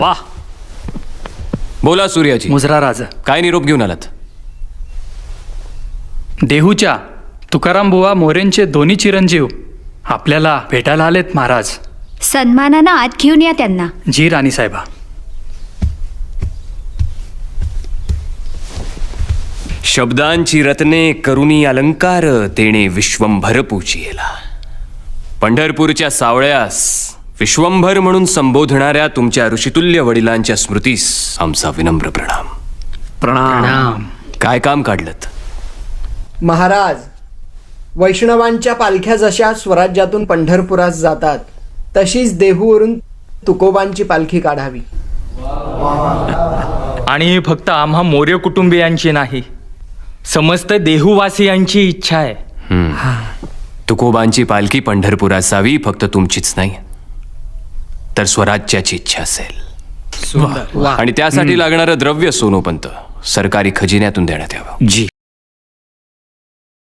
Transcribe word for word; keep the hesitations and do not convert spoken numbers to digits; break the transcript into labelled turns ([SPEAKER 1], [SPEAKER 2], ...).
[SPEAKER 1] वाह. बोला सूर्याजी,
[SPEAKER 2] मुजरा राजा.
[SPEAKER 1] काय निरोप घेऊन आलात?
[SPEAKER 2] देहूच्या तुकाराम बुवा मोरेंचे दोन्ही चिरंजीव आपल्याला भेटायला आलेत महाराज.
[SPEAKER 3] सन्मानानं आत घेऊन या त्यांना.
[SPEAKER 2] जी राणी साहेबा.
[SPEAKER 1] शब्दांची रत्ने करुणी अलंकार तेणे विश्वंभर पूजियेला. पंढरपूरच्या सावळ्यास विश्वंभर म्हणून संबोधणाऱ्या तुमच्या ऋषितुल्य वडिलांच्या स्मृतीस आमचा विनम्र प्रणाम.
[SPEAKER 2] प्रणाम.
[SPEAKER 1] काय काम काढलत?
[SPEAKER 4] महाराज, वैष्णवांच्या पालख्या जशा स्वराज्यातून पंढरपुरास जातात तशीच देहूवरून तुकोबांची पालखी काढावी.
[SPEAKER 5] आणि ही फक्त आम्हा मोरे कुटुंबियांची नाही, समस्त देहूवासियांची इच्छा आहे.
[SPEAKER 1] तुकोबांची पालखी पंढरपुरात जावी फक्त तुमचीच नाही, तर स्वराज्याची इच्छा असेल. आणि त्यासाठी लागणारं द्रव्य सोनोपंत सरकारी खजिन्यातून देण्यात यावं.
[SPEAKER 5] जी.